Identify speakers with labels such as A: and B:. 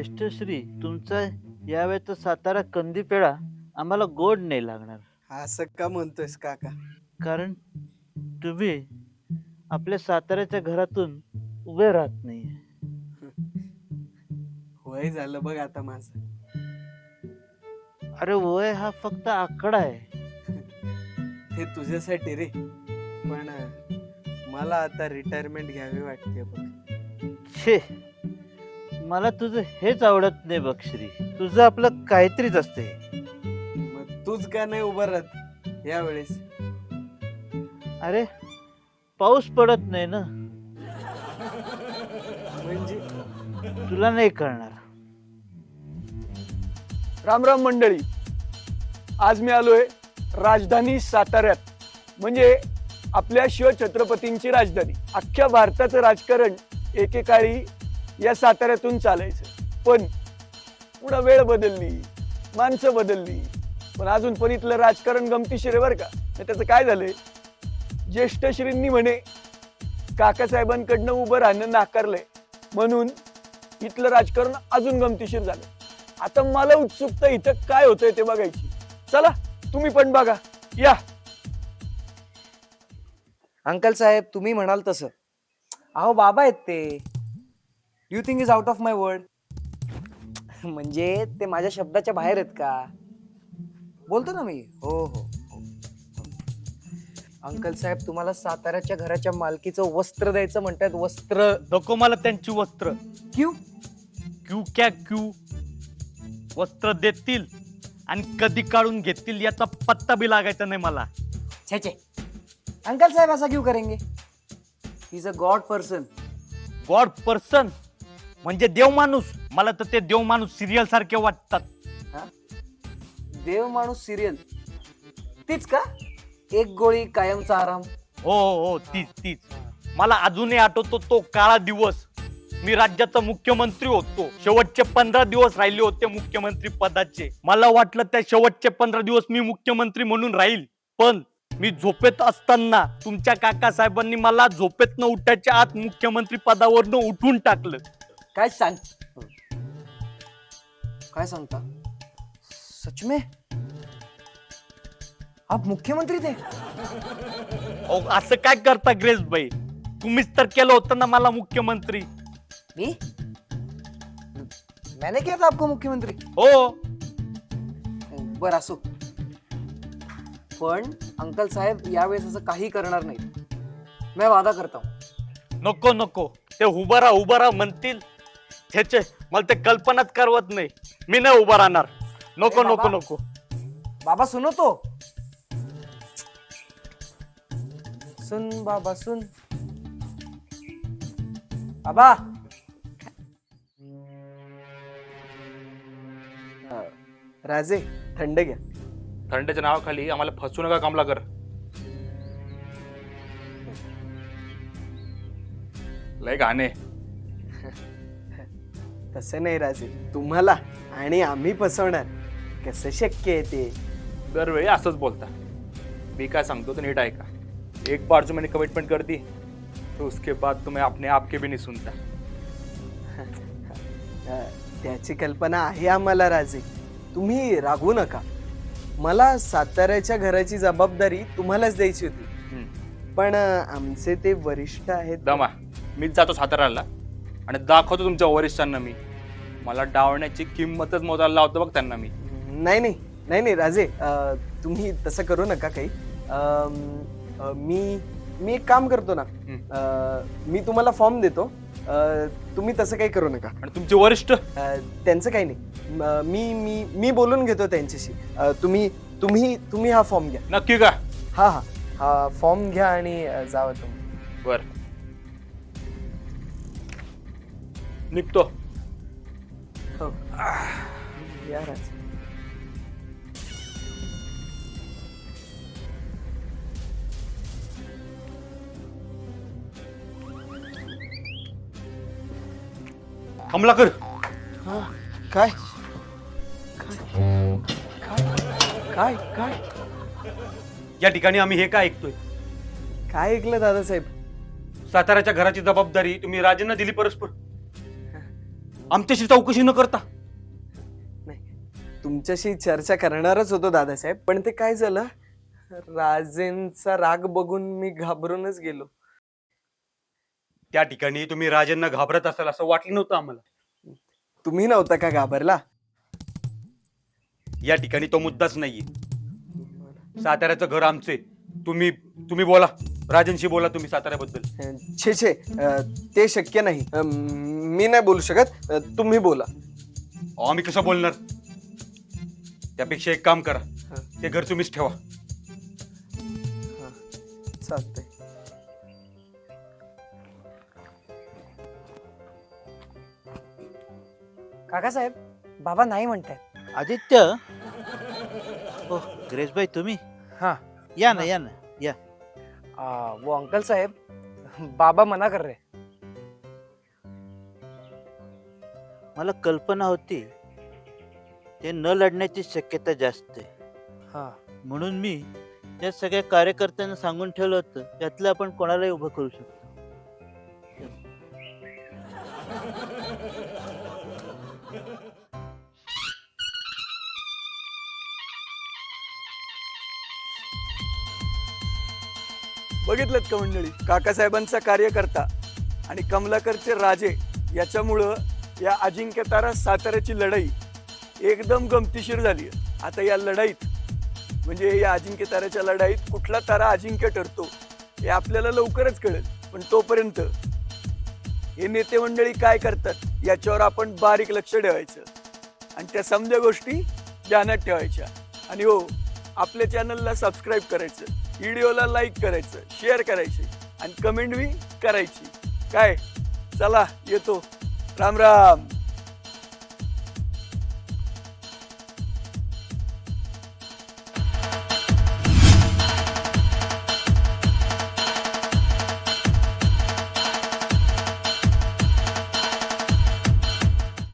A: ज्येष्ठश्री, तुमचा यावेळेचा सातारा कंदी पेढा आम्हाला गोड नाही लागणार.
B: असं का म्हणतोयस काका?
A: कारण तुम्ही आपल्या साताऱ्याच्या घरातून उभे राहत नाही.
B: वय झालं बघ आता माझं.
A: अरे वय हा फक्त आकडा आहे.
B: ते तुझ्यासाठी रे, पण मला आता रिटायरमेंट घ्यावी वाटते बघ.
A: छे, मला तुझं हेच आवडत नाही बघ श्री. तुझं आपलं काहीतरीच असते.
B: मग तूच का नाही उभं राहत यावेळेस?
A: अरे पाऊस पडत नाही ना,
B: म्हणजे
A: तुला नाही कळणार.
C: राम राम मंडळी, आज मी आलोय राजधानी साताऱ्यात, म्हणजे आपल्या शिवछत्रपतींची राजधानी. अख्ख्या भारताचं राजकारण एकेकाळी या साताऱ्यातून चालायचं, पण पुढं वेळ बदलली, माणसं बदलली, पण अजून पण इथलं राजकारण गमतीशीर आहे बरं का. त्याचं काय झालंय, ज्येष्ठश्रींनी म्हणे काकासाहेबांकडनं उभं राहणं नाकारलंय, म्हणून इथलं राजकारण अजून गमतीशीर झालं. आता मला उत्सुकता इथं काय होतंय ते बघायची. चला तुम्ही पण बघा, या.
D: अंकल साहेब, तुम्ही म्हणाल तसं. अहो बाबा आहेत ते. You think is out of my word. म्हणजे ते माझ्या शब्दाच्या बाहेर आहेत का? बोलतो ना मी. हो हो हो. अंकल साहेब, तुम्हाला साताऱ्याच्या घराच्या मालकीचं वस्त्र द्यायचं म्हणतात. वस्त्र
E: नको मला त्यांची वस्त्र.
D: क्यू
E: क्यू क्या क्यू? वस्त्र देतील आणि कधी काढून घेतील याचा पत्ता बी लागायचा नाही मला.
D: छे छे, अंकल साहेब ऐसा क्यों करेंगे? He is a god person.
E: God person म्हणजे देव माणूस. मला तर ते देव माणूस सिरियल सारखे वाटतात.
D: देव माणूस सिरियल तीच का? एक गोळी कायमचा आराम.
E: हो हो हो, तीच तीच. मला अजूनही आठवतो तो काळा दिवस. मी राज्याचा मुख्यमंत्री होतो. शेवटचे 15 दिवस राहिले होते मुख्यमंत्री पदाचे. मला वाटलं त्या शेवटचे 15 दिवस मी मुख्यमंत्री म्हणून राहील, पण मी झोपेत असताना तुमच्या काका साहेबांनी मला झोपेत न उठायच्या आत मुख्यमंत्री पदावरनं उठून टाकलं.
D: काय सांग काय सांगता? सच में आप मुख्यमंत्री थे?
E: अहो, असं काय करता ग्रेस भाई? तुम्हीच तर केलं होतं ना मला मुख्यमंत्री.
D: मी? मैंने किया था आपको मुख्यमंत्री?
E: हो.
D: बर असो, पण अंकल साहेब यावेळेस असं काही करणार नाही. मैं वादा करता हूं.
E: नको नको, ते उभा राहा म्हणतील. छे, मला ते कल्पनाच करवत नाही. मी नाही उभा राहणार. नको
D: अरे
E: नको
D: बाबा.
E: नको.
D: बाबा सुनो तो. सुन बाबा सुन. बाबा.
B: राजे, थंड घ्या.
F: थंडच्या नावाखाली आम्हाला फसू नका कमलाकर. लय घाणे.
B: तसं नाही राजे, तुम्हाला आणि आम्ही फसवणार कसं शक्य आहे ते?
F: दरवेळी असंच बोलता. मी काय सांगतो तर नीट ऐका. एक बार जो मैंने कमिटमेंट कर दी तो उसके बाद तुम्हें अपने आप के भी नहीं सुनता.
B: त्याची कल्पना आहे आम्हाला राजे, तुम्ही रागवू नका. मला साताऱ्याच्या घराची जबाबदारी तुम्हालाच द्यायची होती, पण आमचे ते वरिष्ठ आहेत.
F: दमा, मीच जातो साताऱ्याला आणि दाखवतो तुमच्या वरिष्ठांना मी. मला डावण्याची किंमतच मोजायला लावतो बघ त्यांना मी.
B: नाही नाही नाही नाही राजे, तुम्ही तसं करू नका काही. मी एक काम करतो ना, मी तुम्हाला फॉर्म देतो, तुम्ही तसं काही करू नका.
F: आणि तुमचे वरिष्ठ?
B: त्यांचं काही नाही. मी बोलून घेतो त्यांच्याशी. तुम्ही हा फॉर्म घ्या.
F: नक्की का?
B: हा फॉर्म घ्या आणि जावा तुम्ही.
F: बर, निघतो.
B: हो या राजे.
E: कमलाकर,
B: काय काय काय
E: या ठिकाणी आम्ही हे काय ऐकतोय?
B: काय ऐकलं दादासाहेब?
E: साताऱ्याच्या घराची जबाबदारी तुम्ही राजेंना दिली परस्पर. आमच्याशी चौकशी न करता?
B: तुमच्याशी चर्चा करणारच होतो दादासाहेब, पण ते काय झालं, राजेंचा राग बघून मी घाबरूनच गेलो.
G: त्या ठिकाणी तुम्ही राजांना घाबरत असाल असं वाटलं नव्हतं आम्हाला.
B: तुम्ही नव्हता का घाबरला?
G: या ठिकाणी तो मुद्दाच नाहीये. साताऱ्याचं घर आमचे. तुम्ही तुम्ही बोला, राजांशी बोला तुम्ही साताऱ्याबद्दल.
B: छे ते शक्य नाही. मी नाही बोलू शकत, तुम्ही बोला.
G: आम्ही कसं बोलणार? त्यापेक्षा एक काम करा, ते घर तुम्हीच ठेवा.
B: चालतंय.
D: काकासाहेब, बाबा नाही म्हणतायत.
A: आदित्य, ओ ग्रेसबाई तुम्ही?
D: हाँ
A: या ना या ना या.
D: वो अंकल साहेब, बाबा मना कर रहे.
A: मला कल्पना होती ते न लढण्याची शक्यता जास्त आहे,
D: हाँ
A: म्हणून मी या सगळ्या कार्यकर्त्यांना सांगून ठेवलं होतं त्यातलं आपण कोणालाही उभं करू शकतो.
C: बघितलं का मंडळी, काकासाहेबांचा कार्यकर्ता आणि कमलाकरचे राजे याच्यामुळं या अजिंक्य तारा साताऱ्याची लढाई एकदम गमतीशीर झाली. आता या लढाईत म्हणजे या अजिंक्य ताऱ्याच्या लढाईत कुठला तारा अजिंक्य ठरतो हे आपल्याला लवकरच कळेल. पण तोपर्यंत हे नेते मंडळी काय करतात याच्यावर आपण बारीक लक्ष ठेवायचं आणि त्या समजा गोष्टी ध्यानात ठेवायच्या. आणि हो, आपल्या चॅनलला सबस्क्राईब करायचं, व्हिडिओला लाईक करायचं, शेअर करायचे आणि कमेंट बी करायची. काय, चला येतो. राम राम.